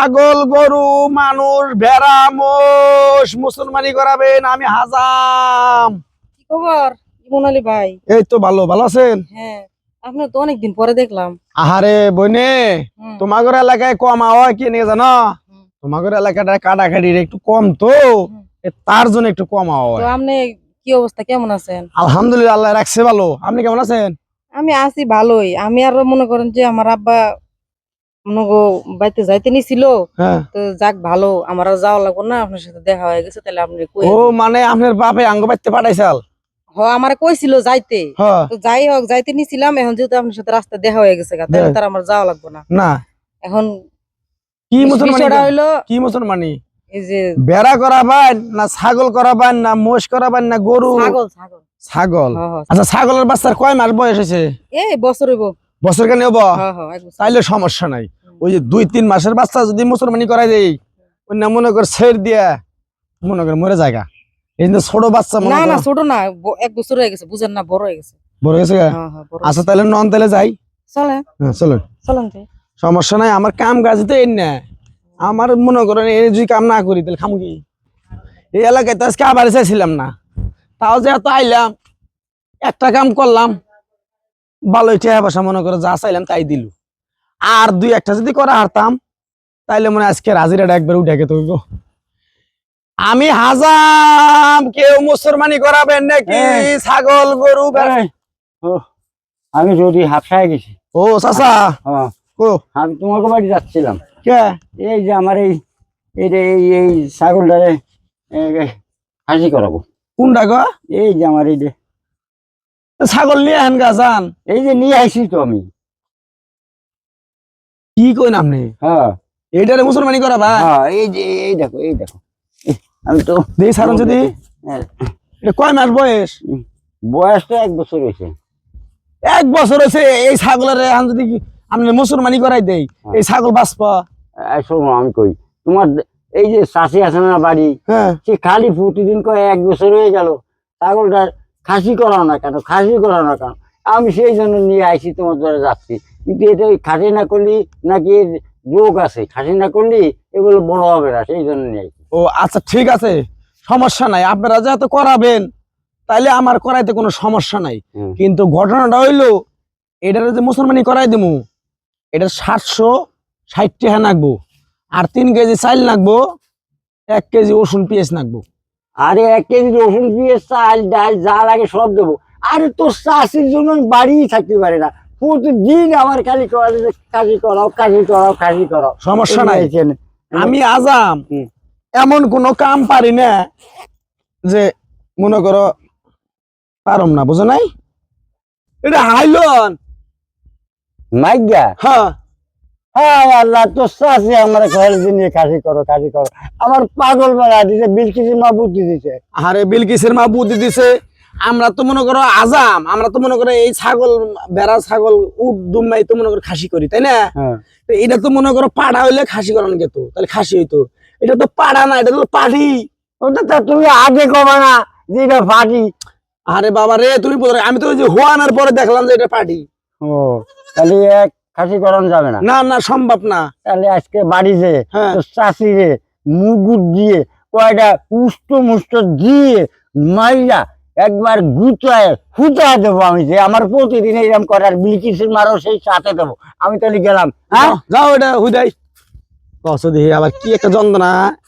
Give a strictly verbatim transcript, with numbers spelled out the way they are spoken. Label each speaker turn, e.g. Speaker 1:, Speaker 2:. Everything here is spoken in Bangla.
Speaker 1: ছাগল গরু মানুষ ভেড়া মোষ মুসলমানি করাবেন আমি হাজাম।
Speaker 2: কি খবর ইমন আলী ভাই?
Speaker 1: এই তো ভালো ভালো আছেন?
Speaker 2: হ্যাঁ, আপনার তো অনেকদিন পরে দেখলাম।
Speaker 1: আহারে বইনে
Speaker 2: হুম,
Speaker 1: তোমাদের এলাকায় কম হয় কি নিয়ে জানো?
Speaker 2: হুম,
Speaker 1: তোমাদের এলাকাটা কাটাকাটি একটু কম তো
Speaker 2: হুম।
Speaker 1: এ তার জন্য একটু কম
Speaker 2: তো
Speaker 1: হয়।
Speaker 2: আপনি কি অবস্থা, কেমন আছেন?
Speaker 1: আলহামদুলিল্লাহ আল্লাহ রাখছে ভালো। আপনি কেমন আছেন?
Speaker 2: আমি আছি ভালোই। আমি আরো মনে করেন যে আমার আব্বা মনে গো বাড়িতে যাইতে নিছিল।
Speaker 1: হ্যাঁ।
Speaker 2: তো যাক ভালো, আমার আর যাওয়া লাগবে না, আপনার সাথে দেখা হয়ে গেছে, তাহলে আপনি কই
Speaker 1: ও মানে আপনার বাপে আঙ্গ বাইতে পাঠাইছাল?
Speaker 2: হ আমার কইছিল যাইতে।
Speaker 1: হ্যাঁ।
Speaker 2: তো যাই হোক যাইতে নিছিলাম, এখন যেহেতু আপনার সাথে রাস্তা দেখা হয়ে গেছে গা, তাহলে তার আমার যাওয়া লাগবে না।
Speaker 1: না
Speaker 2: এখন
Speaker 1: কি মুসলমানি
Speaker 2: বিষয়টা হইলো
Speaker 1: কি মুসলমানি?
Speaker 2: এই যে
Speaker 1: বেড়া করাবেন না ছাগল করাবেন না মোষ করাবেন না গরু?
Speaker 2: ছাগল ছাগল
Speaker 1: ছাগল।
Speaker 2: হ হ
Speaker 1: আচ্ছা ছাগলের বাচ্চার কয় মাস বয়স হয়েছে?
Speaker 2: এই বছর হইব।
Speaker 1: বছর কেন হবো?
Speaker 2: হ হ এক বছর।
Speaker 1: তাইলে সমস্যা নাই। ওই যে দুই তিন মাসের বাচ্চা যদি মুসলমানি করাই দেই ওই না মনে কর ছেড় দিয়া মনে কর মরে জায়গা। এই যে ছোট বাচ্চা মনে
Speaker 2: না না
Speaker 1: কর
Speaker 2: ছোট না, ব- এক বছর হয়ে গেছে, বুঝেন না, বড় হয়ে গেছে।
Speaker 1: বড় হয়েছে গা?
Speaker 2: হ্যাঁ হ্যাঁ বড়
Speaker 1: আচ্ছা
Speaker 2: হয়েছে।
Speaker 1: তাহলে নন তাহলে যাই।
Speaker 2: চলে
Speaker 1: হ্যাঁ চলো
Speaker 2: চলেন যাই।
Speaker 1: সমস্যা নাই। আমার কাম কাজ তো এই না আমার মনে করেন এই যদি কাম না করি তাহলে খামু কি? এই এলাকায় তো আজকে আবার চাইছিলাম না, তাও যে এত আইলাম একটা কাম করলাম ভালোই টেহা বসা মনে করে যা চাইলাম তাই দিল। আর দুই একটা যদি করা হারতাম তাইলে মনে হয় আজকে হাজিরাটা একবার উঠে গেত। আমি হাজাম, কেউ মুসলমানি করাবেন নাকি?
Speaker 3: এই।
Speaker 1: ছাগল গরু ভেড়া-
Speaker 3: এই, ও, আমি যদি হাফসায় গেছি।
Speaker 1: ও চাচা
Speaker 3: হ্যাঁ,
Speaker 1: ও
Speaker 3: আমি তোমাকে বাড়ি যাচ্ছিলাম।
Speaker 1: কে
Speaker 3: এই যে আমার এই এই যে এই এই ছাগলটারে হাসি করাবো।
Speaker 1: কোনটা গো?
Speaker 3: এই যে আমার এই যে
Speaker 1: ছাগল নিয়ে আহেন গা যান।
Speaker 3: এই যে নিয়ে আসি তো আমি।
Speaker 1: কি কইন আপনি?
Speaker 3: হ্যাঁ
Speaker 1: এইটারে মুসলমানি করাবা?
Speaker 3: হ্যাঁ এই যে এই দেখো এই দেখো এই, আমি তো
Speaker 1: দেই সারন যদি।
Speaker 3: হ্যাঁ,
Speaker 1: এটা কয় মাস বয়স?
Speaker 3: বয়সটা এক বছর হয়েছে।
Speaker 1: এক বছর হয়েছে এই ছাগলের এখন যদি আপনি মুসলমানি করাই দেই এই ছাগল বাঁচবা?
Speaker 3: এই শোনো আমি কই, তোমার এই যে চাষি আছে না বাড়ি,
Speaker 1: হ্যাঁ
Speaker 3: সে খালি প্রতিদিন কয় এক বছর হয়ে গেল ছাগলটা খাসি করাও না কেন, খাসি করাও না কেন। আমি সেই জন্য নিয়ে আইসি তোমার দ্বারা যাচ্ছি, কিন্তু এটা ওই খাসি না করলি নাকি এর রোগ আছে, খাসি না করলি এগুলো বড় হবে না, সেই জন্য নিয়ে আইসি।
Speaker 1: ও আচ্ছা ঠিক আছে সমস্যা নাই, আপনারা যেহেতু করাবেন তাইলে আমার করাইতে কোনো সমস্যা নাই।
Speaker 3: হুম।
Speaker 1: কিন্তু ঘটনাটা হইলো এটার যে মুসলমানি করাই দেবো এটা সাতশো ষাট টাকা নাকবো, আর তিন কেজি চাইল নাকবো, এক কেজি রসুন পেঁয়াজ নাকবো।
Speaker 3: আরে এক কেজি রসুন পেঁয়াজ চাল ডাল যা লাগে সব দেবো। আরে তোর চাষির জন্য আমি বাড়িই থাকতে পারি না, প্রতিদিন আমার খালি করা যে কাশি করাও কাশি করাও কাশি করাও।
Speaker 1: সমস্যা নাই,
Speaker 3: এখানে
Speaker 1: আমি আজাম
Speaker 3: হুম।
Speaker 1: এমন কোনো কাম পারি না যে মনে করো পারম না, বুঝো নাই? এটা হাইলন।
Speaker 3: মাইগা
Speaker 1: হ্যাঁ
Speaker 3: হ্যাঁ আল্লাহ তোর চাষি আমার ঘরের নিয়ে কাশি করো কাশি করো, আমার পাগল বানা দিছে, বিলকিসের মা বুদ্ধি দিছে।
Speaker 1: আরে বিলকিসের মা বুদ্ধি দিছে। আমরা তো মনে করো আজাম, আমরা তো মনে করো এই ছাগল বেড়া ছাগল উট দুম্বাই তো মনে করো খাসি করি, তাই না?
Speaker 3: হ্যাঁ
Speaker 1: তো এটা তো মনে করো পাড়া হইলে খাসি করানো যেত, তাহলে খাসি হইতো। এটা তো পাড়া না, এটা তো পাড়ি।
Speaker 3: ওটা তো তুমি আগে কবা না যে এটা ফাটি।
Speaker 1: আরে বাবা রে তুমি বলো, আমি তো ওই যে হোয়ানোর পরে দেখলাম যে এটা পাড়ি।
Speaker 3: ও তাহলে এক খাসি করানো যাবে না?
Speaker 1: না না সম্ভব না।
Speaker 3: তাহলে আজকে বাড়ি যে
Speaker 1: হ্যাঁ।
Speaker 3: তোর চাষি রে মুগুর দিয়ে কয়টা উষ্ট মুষ্ট দিয়ে মাইরা একবার গুচায় হুচায় দেবো আমি, যে আমার প্রতিদিন এরকম করার বিলকিসের মারও সেই সাথে দেবো আমি। তাহলে গেলাম। হ্যাঁ
Speaker 1: যাও, যাও এটা হুদাই কসো দেখি আবার কি একটা যন্ত্রণা।